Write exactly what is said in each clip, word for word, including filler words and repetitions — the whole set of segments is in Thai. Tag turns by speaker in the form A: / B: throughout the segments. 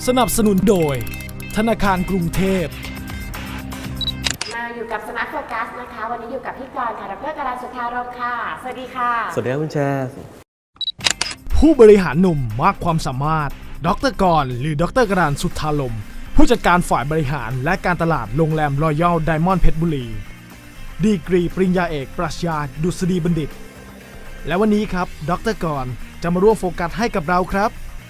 A: สนับสนุนโดยธนาคารกรุงเทพ
B: มาอยู่กับสมาร์ทโฟกัสนะคะวันนี้อยู่กับพี่กรณ์ค่ะดรกราสุธารมค่ะสวัสดีค่ะ
C: สวัสดีครับคุณแชร์
A: ผู้บริหารหนุ่มมากความสามารถดรกรณ์หรือดรกรานต์สุธารมผู้จัดการฝ่ายบริหารและการตลาดโรงแรมรอยัลไดมอนด์เพชรบุรีดีกรีปริญญาเอกปรัชญาดุษฎีบัณฑิตและวันนี้ครับดรกรณ์จะมาร่วมโฟกัสให้กับเราครับ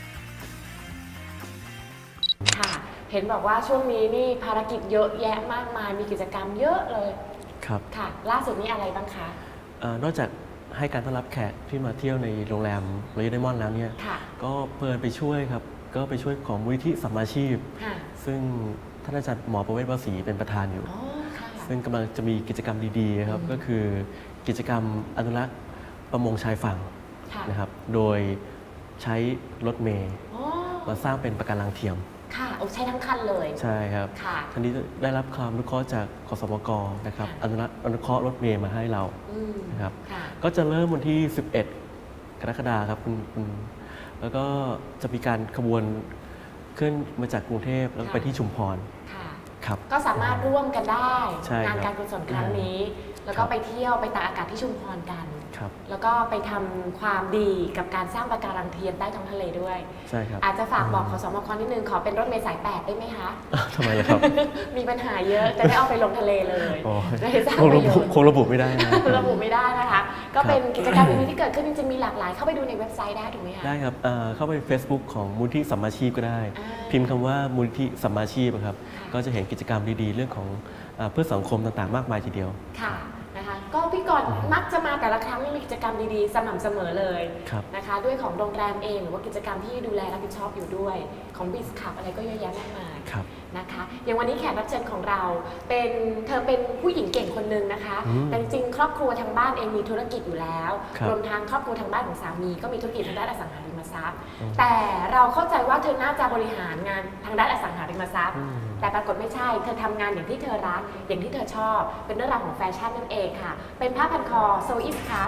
B: ค่ะเห็นบอกว่าช่วงนี้นี่ภารกิจเยอะแยะมากมายมีกิจกรรมเยอะเลย
C: ครับ
B: ค่ะล่าสุดนี้อะไรบ้างคะ
C: เอ่อนอกจากให้การต้อนรับแขกที่มาเที่ยวในโรงแรมรอยัลไดมอนด์แล้วเนี่ยก็เพลินไปช่วยครับก็ไปช่วยของมูลนิธิสัมมาชีพซึ่งท่านอาจารย์หมอประเวศวสีเป็นประธานอยู่ซึ่งกำลังจะมีกิจกรรมดีๆครับก็คือกิจกรรมอนุรักษ์ประมงชายฝั่งนะครับโดยใช้รถเมล์มาสร้างเป็นปะการังเทียม
B: ค่ะโอ้ใช้ทั้งคันเลย
C: ใช่ครับท่านนี้ได้รับความอนุเคราะห์จากคสมกนะครับอนุรักษ์อนุเคราะห์รถเมล์มาให้เรานะครับก็จะเริ่มวันที่สิบเอ็ดกรกฎาคมครับคุณคุณแล้วก็จะมีการขบวนขึ้นมาจากกรุงเทพแล้วไปที่ชุมพรครับ
B: ก็สามารถร่วมกันได้
C: ง
B: านการกุศลครั้งนี้แล้วก็ไปเที่ยวไปตากอากาศที่ชุมพรกันแล้วก็ไปทำความดีกับการสร้างปะการังเทียมใต้ท้องทะเลด้วย
C: ใช่ครับ
B: อาจจะฝากบอกขสมกนิดนึงขอเป็นรถเมล์สายแปดได้ไหมคะ
C: ทำไมล่ะครับ
B: มีปัญหาเยอะจะได้เอาไปลงทะเลเลย
C: จะได้สร้างประโยชน์คงระบุไม่ได้
B: ระบุไม่ได้นะคะก็เป็นกิจกรรมนี้ที่เกิดขึ้นจริงๆมีหลากหลายเข้าไปดูในเว็บไซต์ได้ถูกไหมคะ
C: ได้ครับเข้าไป Facebook ของมูลที่สัมมาชีพก็ได้พิมพ์คำว่ามูลที่สัมมาชีพครับก็จะเห็นกิจกรรมดีๆเรื่องของเพื่อสังคมต่างๆมากมายทีเดียว
B: ค่ะนะคะก็พี่กรณ์มักจะมาแต่ละครั้งมีกิจกรรมดีๆสม่ำเสมอเลยนะคะด้วยของโรงแรมเองหรือว่ากิจกรรมที่ดูแลรับผิดชอบอยู่ด้วยของบิสคับอะไรก็เยอะแยะมากมายนะคะอย่างวันนี้แขกรับเชิญของเราเป็นเธอเป็นผู้หญิงเก่งคนหนึ่งนะคะแต่จริงๆครอบครัวทางบ้านเองมีธุรกิจอยู่แล้วรวมทั้งครอบครัวทางบ้านของสามีก็มีธุรกิจทางด้านอสังหาริมทรัพย์แต่เราเข้าใจว่าเธอน่าจะบริหารงานทางด้านอสังหาริมทรัพย์แต่ปรากฏไม่ใช่เธอทำงานอย่างที่เธอรักอย่างที่เธอชอบเป็นเรื่องราวของแฟชั่นนั่นเองค่ะเป็นผ้าพันคอโซอิสครับ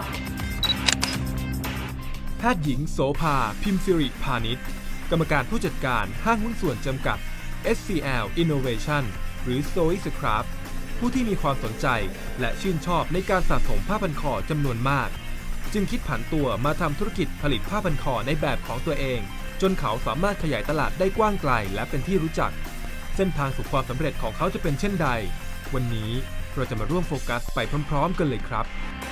A: แพทย์หญิงโสภาพิมพ์สิริพาณิชย์กรรมการผู้จัดการห้างหุ้นส่วนจำกัด เอส ซี แอล Innovation หรือ Soiscraft ผู้ที่มีความสนใจและชื่นชอบในการสะสมผ้าพันคอจำนวนมากจึงคิดผันตัวมาทำธุรกิจผลิตผ้าพันคอในแบบของตัวเองจนเขาสามารถขยายตลาดได้กว้างไกลและเป็นที่รู้จักเส้นทางสู่ความสำเร็จของเขาจะเป็นเช่นใดวันนี้เราจะมาร่วมโฟกัสไปพร้อมๆกันเลยครับ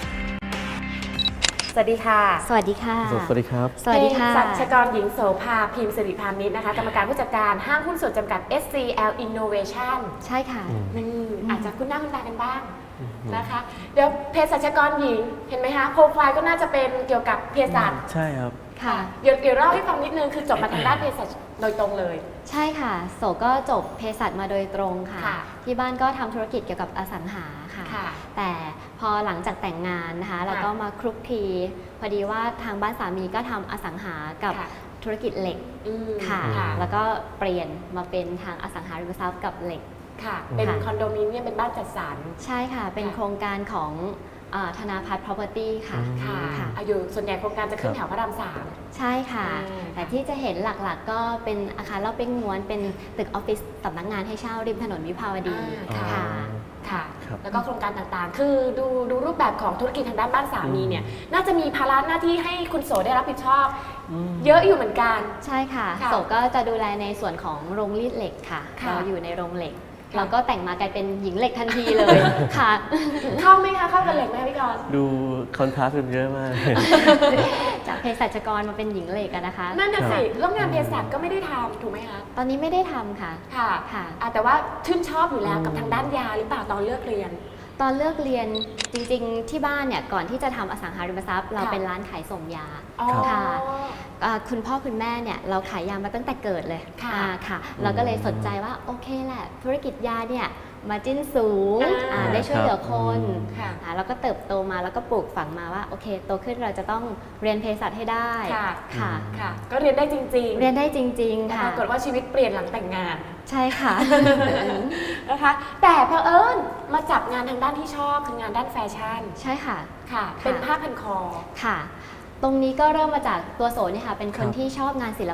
B: สวัสดีค่ะ
D: สวัสดีค่ะ
C: สวัสดีครับ
D: สวัสดีค่ะ
B: สัชกรหญิงโสภาพิมพ์สิริพานิชนะคะกรรมการผู้จัดการห้างหุ้นส่วนจำกัด เอส ซี แอล Innovation
D: ใช่ค่ะ
B: อาจจะคุ้นหน้าคุ้นตากันบ้างนะคะเดี๋ยวเภสัชกรหญิงเห็นไหมคะโปรไฟล์ก็น่าจะเป็นเกี่ยวกับเภสัช
C: ใช่ครับ
B: ค่ะเดี๋ยวเดี๋ยวเล่าให้ฟังนิดนึงคือจบมาทางด้านเภสัชโดยตรงเลย
D: ใช่ค่ะโสก็จบเภสัชมาโดยตรงค่ะที่บ้านก็ทำธุรกิจเกี่ยวกับอสังหาค่ะแต่พอหลังจากแต่งงานนะคะเราก็มาคลุกคลีพอดีว่าทางบ้านสามีก็ทำอสังหากับธุรกิจเหล็กค่ะแล้วก็เปลี่ยนมาเป็นทางอสังหาริมทรัพย์กับเหล็ก
B: ค่ะเป็นคอนโดมิเนียมเป็นบ้านจัดสรร
D: ใช่ค่ะเป็นโครงการของธนาพัฒน์ property ค่ะ
B: ค่ะอายุส่วนใหญ่โครงการจะขึ้นแถวพระรามสาม
D: ใช่ค่ะแต่ที่จะเห็นหลักๆก็เป็นอาคารเล่าเป้งม้วนเป็นตึกออฟฟิศสำนักงานให้เช่าริมถนนวิภาวดี
B: ค่ะค่ะแล้วก็โครงการต่างๆคือดูดูรูปแบบของธุรกิจทางด้านบ้านสามีเนี่ยน่าจะมีภาระหน้าที่ให้คุณโสได้รับผิดชอบเยอะอยู่เหมือนกัน
D: ใช่ค่ะโสก็จะดูแลในส่วนของโรงรีดเหล็กค่ะเราอยู่ในโรงเหล็กเราก็แต่งมากลายเป็นหญิงเหล็กทันทีเลยค่ะ
B: เข้าไหมคะเข้ากับเหล็กไหมพี่กรณ์
C: ดูคอนทราสต์กันเยอะมาก
D: จากเภสัชกรมาเป็นหญิงเหล็กกันนะคะ
B: นั่นน่ะสิแล้วงานเภสัชก็ไม่ได้ทำถูกไหมคะ
D: ตอนนี้ไม่ได้ทำค่ะ
B: ค่ะค่ะแต่ว่าชื่นชอบอยู่แล้วกับทางด้านยาหรือเปล่าตอนเลือกเรียน
D: ตอนเลือกเรียนจริงๆที่บ้านเนี่ยก่อนที่จะทำอสังหาริมทรัพย์เราเป็นร้านขายส่งยาค่ะคุณพ่อคุณแม่เนี่ยเราขายยามาตั้งแต่เกิดเลยค่ะค่ะเราก็เลยสนใจว่าโอเคแหละธุรกิจยาเนี่ยมาจิ้นสูงได้ช่วยเหลือคนแล้วก็เติบโตมาแล้วก็ปลูกฝังมาว่าโอเคโตขึ้นเราจะต้องเรียนเภสัชให้ได้
B: ค่ะค่ะก็เรียนได้จริงๆ
D: เรียนได้จริงๆค่ะ
B: ปรากฏว่าชีวิตเปลี่ยนหลังแต่งงาน
D: ใช่ค่ะ
B: นะคะแต่เผอิญมาจับงานทางด้านที่ชอบคืองานด้านแฟชั่น
D: ใช่ค่ะ
B: ค่ะเป็นผ้าพันคอ
D: ค่ะตรงนี้ก็เริ่มมาจากตัวโสเนี่ยค่ะเป็นคนที่ชอบงานศิลปะ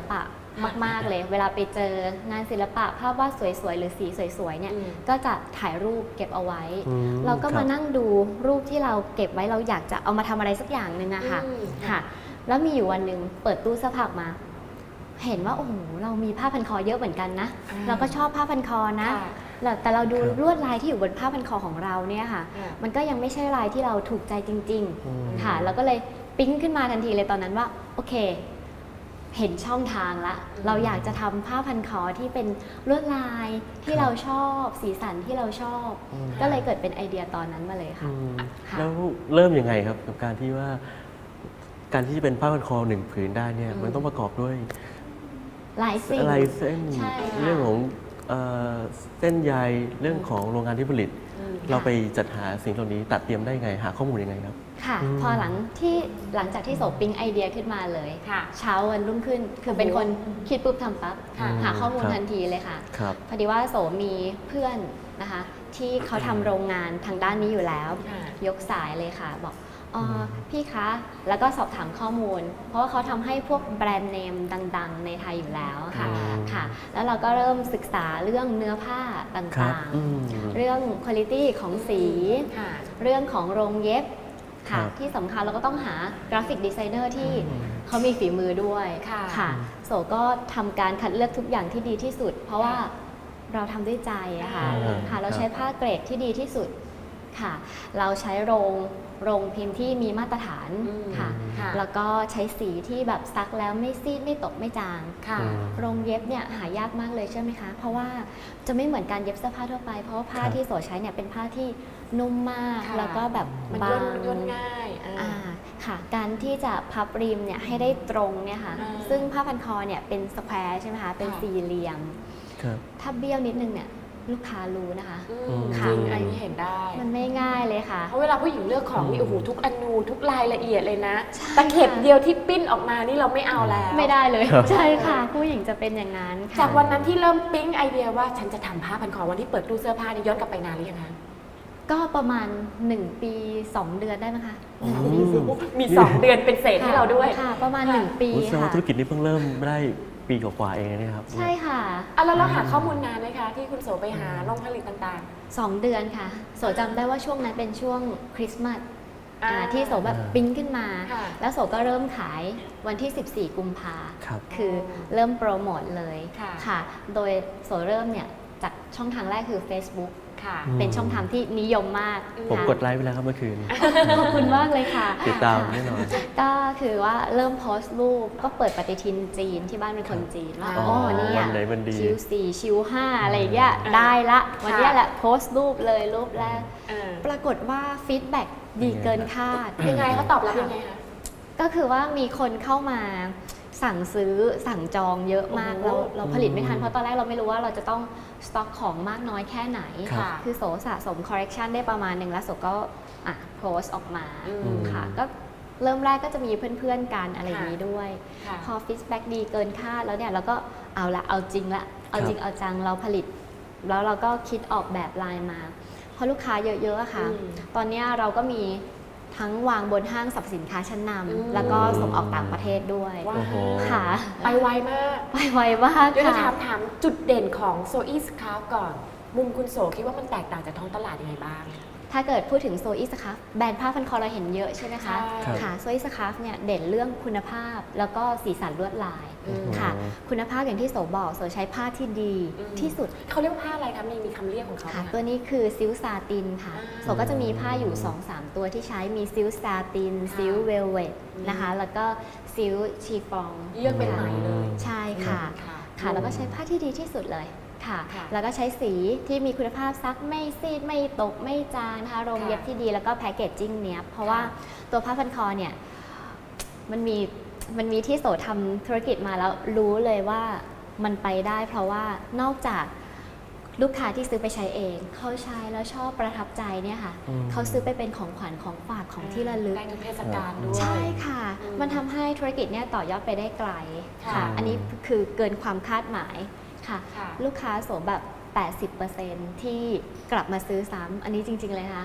D: มากๆเลย เวลาไปเจองานศิลปะภาพวาดสวยๆหรือสีสวยๆเนี่ย
B: อืม
D: ก็จะถ่ายรูปเก็บเอาไว้
C: อืม
D: เราก็
C: ครั
D: มา
C: บ
D: นั่งดูรูปที่เราเก็บไว้เราอยากจะเอามาทำอะไรสักอย่างหนึ่งอะค่ะ
B: อืม
D: ค่ะ แล้วมีอยู่วันหนึ่งเปิดตู้เสื้อผ้าออกมา เห็นว่าโอ้โหเรามีผ้าพันคอเยอะเหมือนกันนะ
B: อ่า
D: เราก็ชอบผ้าพันคอนะ
B: ค่ะ
D: แล้วแต่เราดู
C: ครับ
D: ลวดลายที่อยู่บนผ้าพันคอของเราเนี่ยค่ะ
B: ค่ะ
D: มันก็ยังไม่ใช่ลายที่เราถูกใจจริง
C: อืม
D: ๆ ค่ะ เราก็เลยปิ๊งขึ้นมาทันทีเลยตอนนั้นว่าโอเค เห็นช่องทางละ
B: อืม
D: เราอยากจะทำผ้าพันคอที่เป็นลวดลายที่
C: ครับ
D: เราชอบสีสันที่เราชอบ
C: อืม
D: ก็เลยเกิดเป็นไอเดียตอนนั้นมาเลยค่ะ
C: อืม
D: ค่ะ
C: แล้วเริ่มยังไงครับกับการที่ว่า การที่จะเป็นผ้าพันคอหนึ่งผืนได้เนี่ย
B: อืม
C: มันต้องประกอบด้วย
D: หลายสิ่ง
C: ลายเส้น
D: ใช่ค่ะ
C: เรื่องของเอ่อเส้นใยเรื่องของโรงงานที่ผลิต
B: อืม
C: เราไปจัดหาสิ่งเหล่านี้ตัดเตรียมได้ไงหาข้อมูลยังไงครับ
D: ค่ะ
C: อืม
D: พอหลังที่หลังจากที่โสปิ๊งไอเดียขึ้นมาเลย
B: ค่ะ
D: เช้าวันรุ่งขึ้น คือเป็นคนคิดปุ๊บทำปั๊บ
B: ค่ะ
D: หาข้อมูล
C: ครับ
D: ทันทีเลยค่ะ
C: ครับ
D: พอดีว่าโสมีเพื่อนนะคะ ที่เขาทำโรงงานทางด้านนี้อยู่แล้ว
B: ค่ะ
D: ยกสายเลยค่ะ บอกอ๋อพี่คะ แล้วก็สอบถามข้อมูล เพราะว่าเขาทำให้พวกแบรนด์เนมดัง ๆ ในไทยอยู่แล้วค่ะ
C: อืม
D: ค่ะ แล้วเราก็เริ่มศึกษาเรื่องเนื้อผ้าต
C: ครั่
D: า
C: บ
D: ง
C: อืม
D: ๆ เรื่องคุณภาพของสี
B: ค่ะ
D: เรื่องของโรงเย็บค่ะ
C: ครับ
D: ที่สำคัญเราก็ต้องหากราฟิกดีไซเนอร์ที่
C: อืม
D: เขามีฝีมือด้วย
B: ค่ะ
D: ค่ะโสก็ทำการคัดเลือกทุกอย่างที่ดีที่สุด เพราะว่าเราทำด้วยใจอะค่ะ
C: อ่า
D: ค่ะ เรา
C: ครับ
D: ใช้ผ้าเกรดที่ดีที่สุดค่ะ เราใช้โรงโรงพิมพ์ที่มีมาตรฐาน
B: อืม
D: ค่ะ
B: ค่ะ
D: แล้วก็ใช้สีที่แบบซักแล้วไม่ซีดไม่ตกไม่จาง
B: ค่ะ
C: อืม
D: โรงเย็บเนี่ยหายากมากเลยใช่ไหมคะ เพราะว่าจะไม่เหมือนการเย็บเสื้อผ้าทั่วไป เพราะว่าผ้า
C: ครับ
D: ที่โสใช้เนี่ยเป็นผ้าที่นุ่มมาก
B: ค่ะ
D: แล้วก็แบบ
B: มัน
D: บา
B: ย่น
D: ง
B: ย่นง่ายอ่า
D: อ่าค่ะ การที่จะพับริมเนี่ยให้ได้ตรงเนี่ยค่ะ
B: อ่า
D: ซึ่งผ้าพันคอเนี่ยเป็นสแควร์ใช่ไหมคะ เป็น
B: ค่ะ
D: สี่เหลี่ยม
C: ครับ
D: ถ้าเบี้ยวนิดนึงเนี่ยลูกค้ารู้นะคะ
B: อืม
D: ค่ะ
B: จริงอันนี้เห็นได้
D: มันไม่ง่ายเลยค่ะ
B: เพราะเวลาผู้หญิงเลือกของนี่โอ้โหทุกอนูทุกรายละเอียดเลยนะ
D: ใช่
B: ตะเข็บเดียวที่ปิ้นออกมานี่เราไม่เอาแล้ว
D: ไม่ได้เลย
C: ครับ
D: ใช่ค่ะ ผู้หญิงจะเป็นอย่างนั้นค่ะ
B: จากวันนั้นที่เริ่มปิ๊งไอเดียว่าฉันจะทำผ้าพันคอวันที่เปิดตู้เสื้อผ้านี่ย้อนกลับไปนานหรือยังคะ
D: ก็ประมาณหนึ่งปีสองเดือนได้ไหมคะ
C: อืม
B: มีสองเดือนเป็นเศษให้เราด้วย
D: ค่ะ ประมาณหนึ่งปี
C: รู้สึกว่า
D: ค่ะ
C: ธุรกิจนี้เพิ่งเริ่มได้ปีกว่าๆเองนะเนี่ยครับ
D: ใช่ค่ะ
B: อ่ะแล้วเราหาข้อมูลนานไหมคะ ที่คุณโสไปหาโรงผลิตต่าง
D: สองเดือนค่ะ โสจำได้ว่าช่วงนั้นเป็นช่วงคริสต์มาส
B: ๆอ่า
D: อ่าที่โสแบบ
C: อ่า
D: ปิ๊งขึ้นมา
B: ค่ะ
D: แล้วโสก็เริ่มขายวันที่ สิบสี่ กุมภา
C: ครับ
D: คือเริ่มโปรโมทเลย
B: ค่ะ
D: ค่ะ โดยโสเริ่มเนี่ยจากช่องทางแรกคือ Facebook
B: ค่ะ
C: อืม
D: เป็นช่องทางที่นิยมมาก
C: ผม
D: ค่ะ
C: กดไลค์ไปแล้วครับเมื่อคืน
D: ขอบคุณมากเลยค่ะ
C: ติดตามแน่นอน
D: ก็คือว่าเริ่มโพสต์รูปก็เปิดปฏิทินจีนที่บ้านเป็นคนจีนว่า
B: อ๋
D: อ๋
B: อ
D: อเนี่ย
C: วันไหนวันดี
D: ชิวสี่ชิวห้าอะไรอย่างเงี้ยได้ละวันเนี้ยแหละโพสต์รูปเลยรูปแรก
B: เออ
D: ปรากฏว่าฟีดแบ็กดีเกินคาด
B: ยังไงเขาตอบรับยังไงคะ
D: ก็คือว่ามีคนเข้ามาสั่งซื้อสั่งจองเยอะมาก
B: โอ้
D: เรา
B: โห
D: เราผลิตไม่ทันเพราะตอนแรกเราไม่รู้ว่าเราจะต้องสต็อกของมากน้อยแค่ไหน
C: ครับ
B: ค่ะ
D: คือโสสะสมคอ r เร c ชันได้ประมาณหนึ่งแล้วโสก็อ่ะโพสต์ออกมา
B: อืม
D: ค่ะก็เริ่มแรกก็จะมีเพื่อนๆกันอะไรอย่างนี้ด้วย
B: ค่ะ
D: พอฟีดแบ็กดีเกินคาดแล้วเนี่ยเราก็เอาละเอาจริงละเอาจริงเอาจังเราผลิต แล้วเราก็คิดออกแบบลายมาเพราะลูกค้าเยอะๆอะค่ะ
B: อืม
D: ตอนเนี้ยเราก็มีทั้งวางบนห้างสรรพสินค้าชั้นน
B: อืม
D: ำแล้วก็ส่งออกต่างประเทศด้วย
B: ว้า
C: โอ้โห
D: ค่ะ
B: ไปไวมาก
D: ไปไวมาก
B: เดี๋ยวจะถา
D: ค่ะ
B: มถามจุดเด่นของโซอีสคราฟก่อน มุมคุณโสคิดว่ามันแตกต่างจากท้องตลาดยังไงบ้าง
D: ถ้าเกิดพูดถึงโซอีสครับแบรนด์ผ้าพันคอเราเห็นเยอะใช่ไหมคะ
B: ใช่
C: ครับ
D: ค่ะโซอีสครับเนี่ยเด่นเรื่องคุณภาพแล้วก็สีสันลวดลาย
B: อืม
D: ค่ะ คุณภาพอย่างที่โสบอกโสใช้ผ้าที่ดี
B: อืม
D: ที่สุด
B: เขาเรียกว่าผ้าอะไรคะมีมีคำเรียกของเขาไหม
D: ค่ะ
B: คะ
D: ตัวนี้คือซิลซาตินค่ะ
B: อ่า
D: โสก็จะมีผ้าอยู่ สองสาม ตัวที่ใช้มีซิลซาติน
B: ค่ะ
D: ซิลเวลเวต
B: อืม
D: นะคะ แล้วก็ซิลชีฟอง
B: เลือกเป็นไหมเลย
D: ใช่ค่ะ
B: ค่ะ
D: ค่ะ แล้วก็ใช้ผ้าที่ดีที่สุดเลยค่ะ
B: ค่ะ
D: แล้วก็ใช้สีที่มีคุณภาพซักไม่ซีดไม่ตกไม่จางนะคะโรง
B: ค่ะ
D: เย็บที่ดีแล้วก็แพคเกจจิ้งเนี้ยบเพราะว่า
B: ค่ะ
D: ตัวผ้าพันคอเนี่ยมันมีมันมีที่โสทำธุรกิจมาแล้วรู้เลยว่ามันไปได้ เพราะว่านอกจากลูกค้าที่ซื้อไปใช้เองเขาใช้แล้วชอบประทับใจเนี่ยค่ะ
C: อืม
D: เขาซื้อไปเป็นของขวัญของฝากของที่ระลึก
B: ได้ในเทศกาลด้วย
D: ใช่ค่ะ
B: อืม
D: มันทำให้ธุรกิจเนี่ยต่อยอดไปได้ไกล
B: ค่ะ
D: ค่ะ อันนี้คือเกินความคาดหมายค่ะ
B: ค่ะ
D: ลูกค้าโสแบบ แปดสิบเปอร์เซ็นต์ ที่กลับมาซื้อซ้ำอันนี้จริง ๆ เลยนะคะ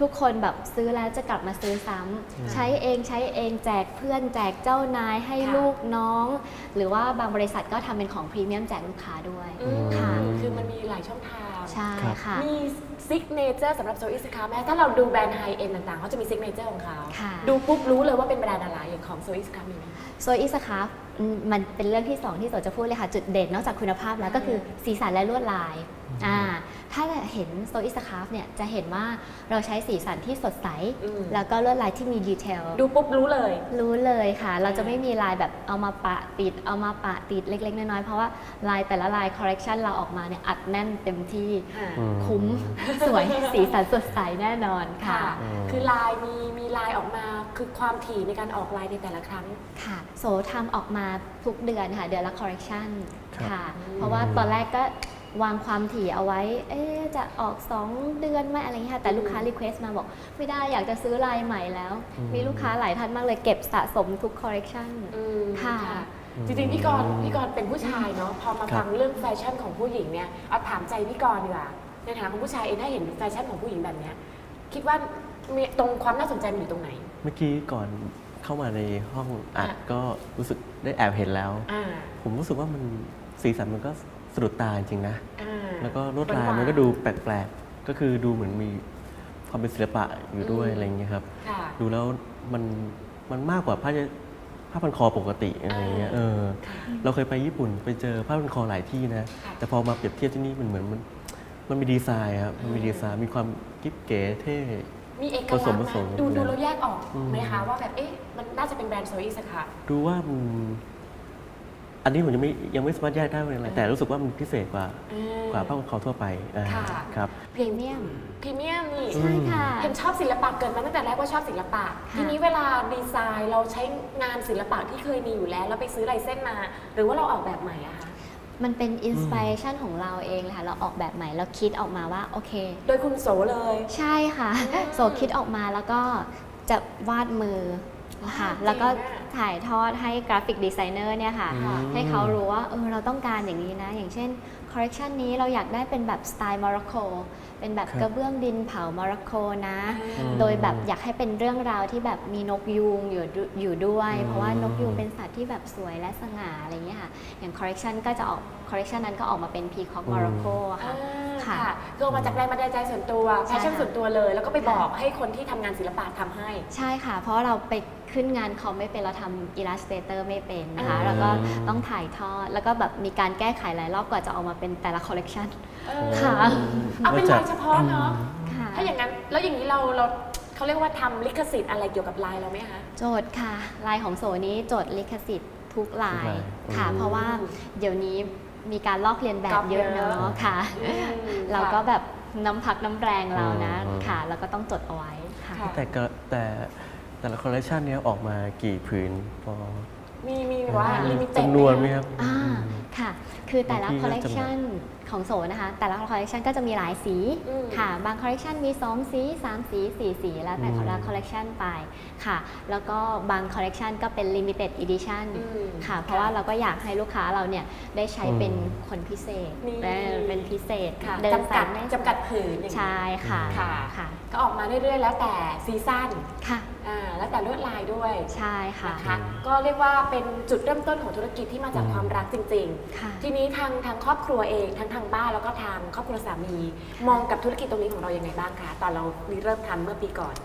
D: ทุกคนแบบซื้อแล้วจะกลับมาซื้อซ้ำใช้เองใช้เองแจกเพื่อนแจกเจ้านายให้ลูกน้อง หรือว่าบางบริษัทก็ทำเป็นของพรีเมียมแจกลูกค้าด้วยค่ะ
B: คือมันมีหลายช่องทาง
D: ใช่ค่ะ
B: มีซิกเนเจอร์สำหรับโซอิสคาแม้ถ้าเราดูแบรนด์ไฮเอ็นต่างๆเขาจะมีซิกเนเจอร์ของเขาดูปุ๊บรู้เลยว่าเป็นแบรนด์อะไรอย่างของโซอิสคามีไหม
D: โซอิสคาฟมันเป็นเรื่องที่สองที่โสจะพูดเลยค่ะจุดเด่นนอกจากคุณภาพแล้วก็คือสีสันและลวดลายอ่าถ้าเห็นโซอิสคาฟเนี่ยจะเห็นว่าเราใช้สีสันที่สดใสแล้วก็ลวดลายที่มีดีเทล
B: ดูปุ๊บรู้เลย
D: รู้เลยค่ะเราจะไม่มีลายแบบเอามาปะติดเอามาปะติดเล็กๆน้อยๆเพราะว่าลายแต่ละลายคอลเลกชันเราออกมาเนี่ยอัดแน่นเต็มที่คุ้มสวยสีสันสดใสแน่นอนค่ะ
B: คือลายมีมีลายออกมาคือความถี่ในการออกลายในแต่ละครั้ง
D: ค่ะโซทำออกมาทุกเดือนค่ะเดือนละคอลเลกชันค่ะเพราะว่าตอนแรกก็วางความถี่เอาไว้เอ๊ะจะออกสองเดือนไหมอะไรเงี้ยแต่ลูกค้ารีเควสต์มาบอกไม่ได้อยากจะซื้อลายใหม่แล้วมีลูกค้าหลายท่านมากเลยเก็บสะสมทุกคอลเลกชันค่ะ
B: จริงๆพี่กรณ์พี่กรณ์เป็นผู้ชายเนาะพอมาฟังเรื่องแฟชั่นของผู้หญิงเนี่ยเอาถามใจพี่กรณ์ดีกว่าในฐานะของผู้ชายเองถ้าเห็นแฟชั่นของผู้หญิงแบบเนี้ยคิดว่ามีตรงความน่าสนใจมันอยู่ตรงไหน
C: เมื่อกี้ก่อนเข้ามาในห้องอัดก็รู้สึกได้แอบเห็นแล้วผมรู้สึกว่ามันสีสันมันก็สะดุดตาจริงๆนะแล้วก็ลวดลายมันก็ดูแปลกๆก็คือดูเหมือนมีความเป็นศิลปะอยู่ด้วยอะไรอย่างเงี้ยครับดูแล้วมันมันมากกว่าผ้าผ้าพันคอปกติอะไรเงี้ยเออเราเคยไปญี่ปุ่นไปเจอผ้าพันคอหลายที่นะแต่พอมาเปรียบเทียบที่นี่มันเหมือนมันมันมีดีไซน์ครับมันมีดีไซน์มีความกิ๊บเก๋เท่
B: มีเอกลักษณ์นะดูดูเราแยกออกไหมคะว่าแบบเอ๊ะมันน่าจะเป็นแบรนด์โซอิสค่ะ
C: ดูว่าอันนี้ผมยังไม่ยังไม่สามารถแยกได้ว่าอะไรแต่รู้สึกว่ามันพิเศษกว่ากว่าผ้าพันคอทั่วไปครับ
B: พรีเมียมพรีเมียมนี่
D: ใช่ค่ะ
B: เห็นชอบศิลปะเกิดมาตั้งแต่แรกว่าชอบศิลปะทีนี้เวลาดีไซน์เราใช้งานศิลปะที่เคยมีอยู่แล้วแล้วไปซื้อลายเส้นมาหรือว่าเราออกแบบใหม่อะคะ
D: มันเป็นอินสปิเรชันของเราเองเลยค่ะเราออกแบบใหม่เราคิดออกมาว่าโอเค
B: โดยคุณโสเลย
D: ใช่ค่ะโสคิดออกมาแล้วก็จะวาดมือค่ะแล้วก็ถ่ายทอดให้กราฟิกดีไซเนอร์เนี่ยค่ะให้เขารู้ว่าเออเราต้องการอย่างนี้นะอย่างเช่นคอลเลกชันนี้เราอยากได้เป็นแบบสไตล์โมร็อกโกเป็นแบบกระเบื้องดินเผาโมร็อกโกนะโดยแบบอยากให้เป็นเรื่องราวที่แบบมีนกยูงอยู่อยู่ด้วยเพราะว่านกยูงเป็นสัตว์ที่แบบสวยและสง่าอะไรเงี้ยค่ะอย่างคอลเลกชันก็จะออกคอลเลกชันนั้นก็ออกมาเป็นพีคอกโมร็อกโกค่ะ
B: ค่ะคือออกมาจากแรงบันดาลใจส่วนตัวแพชชั่นส่วนตัวเลยแล้วก็ไปบอกให้คนที่ทำงานศิลปะทำให้
D: ใช่ค่ะเพราะเราไปขึ้นงานคอมไม่เป็นเราทำอิลลัสเตเตอร์ไม่เป็นนะคะแล้วก็ต้องถ่ายทอดแล้วก็แบบมีการแก้ไขหลายรอบกว่าจะออกมาเป็นแต่ละคอลเลกชันค่ะ
B: เอาเป็นลายเฉพาะเนาะถ้าอย่างนั้นแล้วอย่างนี้เราเราเขาเรียกว่าทำลิขสิทธิ์อะไรเกี่ยวกับลายเราไหมคะ
D: โจทย์ค่ะลายของโซนี้โจทย์ลิขสิทธิ์ทุกลายค่ะเพราะว่าเดี๋ยวนี้มีการลอกเลียนแบบเยอะเนาะค่ะเราก็แบบน้ำพักน้ำแรงเรานะค่ะแล้วก็ต้องจดเอาไว้ค่ะ
C: แต่ก็แต่แต่ละคอลเลคชันนี้ออกมากี่ผืนพอ
B: มีมีว่าลิมิเต็ด
C: จำนวนไหมครับ
D: อ่าค่ะคือแต่ละคอลเลคชันของโสนะคะแต่ละคอลเลคชันก็จะมีหลายสีค่ะบางคอลเลคชันมีสองสีสามสีสี่สีแล้วแต่แต่ละคอลเลคชันไปค่ะแล้วก็บางคอลเลคชันก็เป็น limited edition ค่ะเพราะว่าเราก็อยากให้ลูกค้าเราเนี่ยได้ใช้เป็นคนพิเศษเป็นพิเศษ
B: เดินสายจำกัดผืน
D: ใช่ค่ะ
B: ค่ะก็ออกมาเรื่อยๆแล้วแต่ซีซั่น
D: ค่ะ
B: แล้วแต่ลวดลายด้วย
D: ใช่ค่ะ
B: ก็เรียกว่าเป็นจุดเริ่มต้นของธุรกิจที่มาจากความรักจริงๆทีนี้ทางทางครอบครัวเองทั้งทางบ้านแล้วก็ทางครอบครัวสามีมองกับธุรกิจตรงนี้ของเรายังไงบ้างคะตอนเราเริ่มทำเมื่อปีก่อน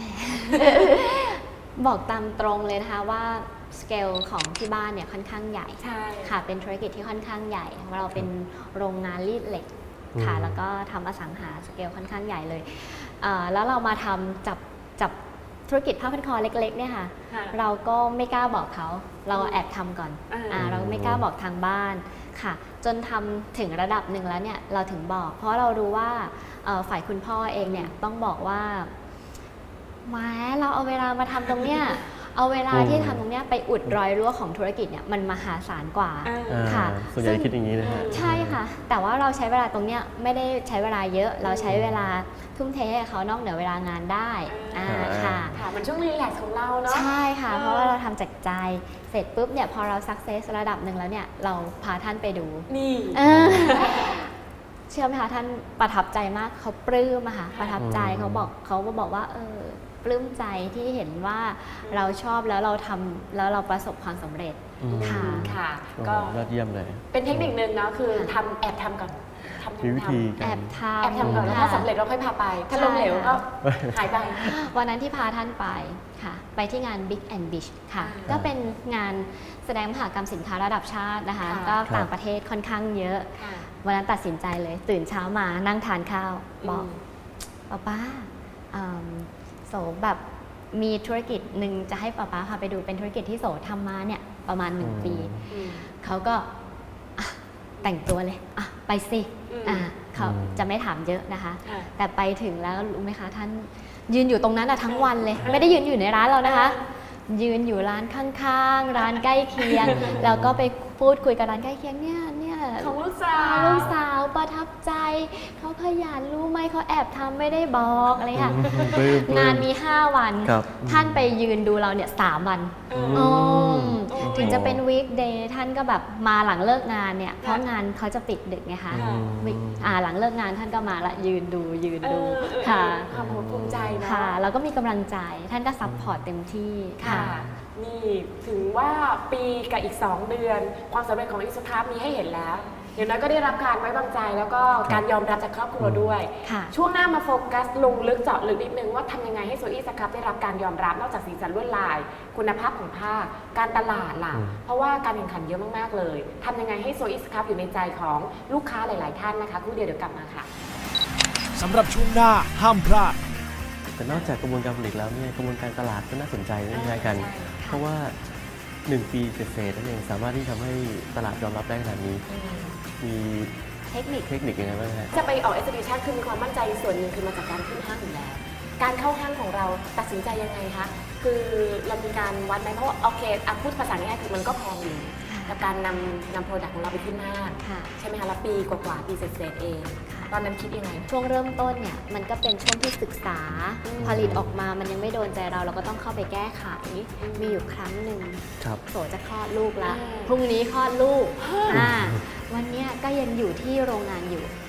D: บอกตามตรงเลยนะคะว่าสเกลของที่บ้านเนี่ยค่อนข้างใหญ่ค่ะเป็นธุรกิจที่ค่อนข้างใหญ่เราเป็นโรงงานรีดเหล็กค่ะแล้วก็ทำอสังหาสเกลค่อนข้างใหญ่เลยแล้วเรามาทำจับจับธุรกิจผ้าพันคอเล็กๆเนี่ยค่ะเราก็ไม่กล้าบอกเขาเราแอบทำก่อนอ่าเราไม่กล้าบอกทางบ้านค่ะจนทำถึงระดับหนึ่งแล้วเนี่ยเราถึงบอกเพราะเรารู้ว่าฝ่ายคุณพ่อเองเนี่ยต้องบอกว่าแหมเราเอาเวลามาทำตรงเนี้ยเอาเวลาที่ทำตรงเนี้ยไปอุดรอยรั่วของธุรกิจเนี่ยมันมหาศาลกว่าค่ะ
C: ส่วนใหญ่คิดอย่างนี้นะฮะ
D: ใช่ค่ะแต่ว่าเราใช้เวลาตรงเนี้ยไม่ได้ใช้เวลาเยอะเราใช้เวลาทุ่มเทให้เขานอกเหนือเวลางานได้อ่าค่ะ
B: ค่ะมันช่วงรีแลกซ์ของเราเนาะ
D: ใช่ค่ะเพราะว่าเราทำจากใจเสร็จปุ๊บเนี่ยพอเราสักเซสระดับหนึ่งแล้วเนี่ยเราพาท่านไปดู
B: นี่
D: เชื่อไหมคะท่านประทับใจมากเขาปลื้มอะค่ะประทับใจเขาบอกเขาก็บอกว่าเออปลื้มใจที่เห็นว่าเราชอบแล้วเราทำแล้วเราประสบความสำเร็จ
C: อืม
D: ค่ะ
B: ค่ะ
C: โอ้
B: ก็
C: ยอดเยี่ยมเลย
B: เป็นเทคนิคนึงเนาะคือทำแอบทำก่อนทำ
C: มีวิธี
B: ทำ
D: แอบทำ
B: แอบทำก่อนแล้วถ้าสำเร็จเราค่อยพาไป ถ้าล้มเหลวก็หายไป
D: วันนั้นที่พาท่านไปค่ะ ไปที่งาน Big and Beach ค่ะ
B: อ่า
D: ก็เป็นงานแสดงมหกรรมสินค้าระดับชาตินะคะ
B: ค่ะ
D: ก็
C: ครับ
D: ต่างประเทศค่อนข้างเยอะ
B: ค่ะ
D: วันนั้นตัดสินใจเลย ตื่นเช้ามานั่งทานข้าว บอก
B: ม
D: ป้าป้าอืมโสแบบมีธุรกิจหนึ่งจะให้ป้าป้าพาไปดูเป็นธุรกิจที่โสทำมาเนี่ยประมาณหนึ่ง
C: อืม
D: ปี
B: อืม
D: เขาก็อ่ะแต่งตัวเลยอ่ะไปสิ
B: อืม
D: อ่ะเขา
C: อืม
D: จะไม่ถามเยอะนะคะ
B: ค่ะ
D: แต่ไปถึงแล้วรู้ไหมคะท่านยืนอยู่ตรงนั้นอะทั้งวันเลย ไม่ได้ยืนอยู่ในร้านเรานะคะ ยืนอยู่ร้านข้างๆ ร้านใกล้เคียง แล้วก็ไปพูดคุยกับร้านใกล้เคียงเนี่ยเนี่ย
B: ของลูกสาว
D: ลูกสาวประทับใจเขาขยันรู้ไหมเขาแอบทำไม่ได้บอกอะไรค่ะ
C: ปลื้มปลื้ม
D: งานมี ห้า วัน
C: ครับ
D: ท่านไปยืนดูเราเนี่ยสามวัน
B: เออ
D: อ๋อ
B: โอ้
D: ถึงจะเป็นวีคเดย์ท่านก็แบบมาหลังเลิกงานเนี่ย เพราะงานเขาจะปิดดึกไงคะ
B: ค่ะ
D: วิกอ่าหลังเลิกงานท่านก็มาละยืนดูยืน
B: เอ
D: ดู
B: อเออ
D: ค่ะ
B: ความภูมิใจเนาะ
D: ค่ะแล้วก็มีกำลังใจท่านก็ซัพพอร์ตเต็มที่
B: ค่ะ นี่ถึงว่าปีกับอีก สอง เดือน ความสำเร็จของอิสครับมีให้เห็นแล้วเดี๋ยวนั้นก็ได้รับการไว้วางใจแล้วก็การยอมรับจากครอบครัวด้วย
D: ค่ะ
B: ช่วงหน้ามาโฟกัสลงลึกเจาะลึกนิดนึงว่าทำยังไงให้โซอี้สครับได้รับการยอมรับนอกจากสีสันลวดลาย คุณภาพของผ้า การตลาดล่ะ
C: อืม
B: เพราะว่าการแข่งขันเยอะมากๆเลยทำยังไงให้โซอี้สครับอยู่ในใจของลูกค้าหลาย ๆ ท่านนะคะครู่เดียวเดี๋ยวกลับมาค่ะ
E: สำหรับช่วงหน้าห้ามพลาด
C: แต่นอกจากกระบวนการผลิตแล้วเนี่ยกระบวนการตลาดก็น่าสนใจไม่ใช่กัน
B: ใช่
C: เพราะว่าหนึ่งปีเศษๆนั่นเองสามารถที่ทำให้ตลาดยอมรับได้ขนาดนี้ มี
D: เทคนิค
C: เทคนิคยังไงบ้างฮะ
B: จะไปออก exhibition คือมีความมั่นใจส่วนหนึ่งคือมาจากการขึ้นห้างอยู่แล้ว การเข้าห้างของเราตัดสินใจยังไงคะ คือเรามีการวัดไหมเพราะว่าโอเคอ่ะพูดภาษาง่ายๆคือมันก็แพงอยู่กับการนำนำโปรดักต์ของเราไปขึ้นห้าง
D: ค่ะ
B: ใช่ไหมคะแล้วปีกว่าๆปีเศษๆเอง
D: ค่ะ
B: ตอนนั้นคิดยังไง
D: ช่วงเริ่มต้นเนี่ยมันก็เป็นช่วงที่ศึกษา
B: อืม
D: ผลิตออกมามันยังไม่โดนใจเราเราก็ต้องเข้าไปแก้ไข
B: อืม
D: มีอยู่ครั้งหนึ่ง
C: ครับ
D: โสจะคลอดลูกละ
B: อ่า
D: พรุ่งนี้คลอดลูกอ่าวันเนี้ยก็ยังอยู่ที่โรงงานอยู่